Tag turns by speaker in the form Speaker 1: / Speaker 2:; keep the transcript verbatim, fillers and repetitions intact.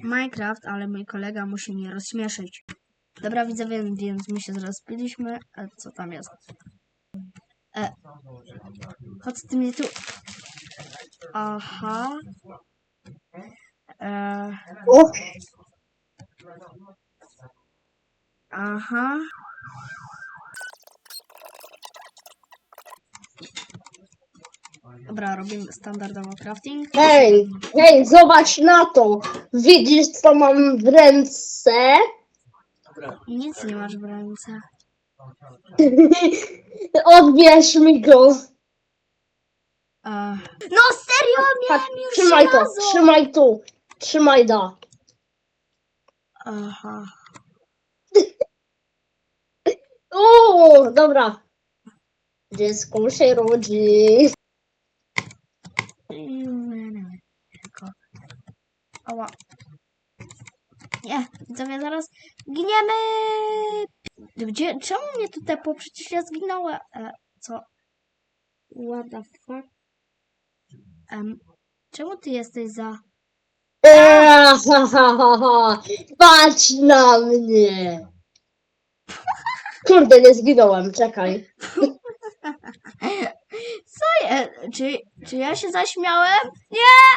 Speaker 1: Minecraft, ale mój kolega musi mnie rozśmieszyć. Dobra widzowie, więc my się zrespiliśmy. E, co tam jest? E, chodź ty mnie tu. Aha. E,
Speaker 2: O,
Speaker 1: aha. Dobra, robimy standardowo crafting.
Speaker 2: hej, hej, zobacz na to. Widzisz, co mam w ręce?
Speaker 1: Nic nie masz w ręce.
Speaker 2: Odbierz mi go.
Speaker 1: E, no serio,
Speaker 2: Patrz,
Speaker 1: miałem już
Speaker 2: trzymaj to,
Speaker 1: żelazo!
Speaker 2: trzymaj tu. Trzymaj da.
Speaker 1: Aha.
Speaker 2: O, dobra. Dziecko się rodzi.
Speaker 1: Ała. Nie, widzowie, zaraz giniemy! Gdzie, czemu mnie tu tepło? Przecież ja zginąłem. E, co? What the fuck? Um, czemu ty jesteś za...
Speaker 2: Eee, ha, ha, ha, ha. Patrz na mnie. Kurde, nie zginąłem, czekaj.
Speaker 1: Co je? Czy, czy ja się zaśmiałem? Nie!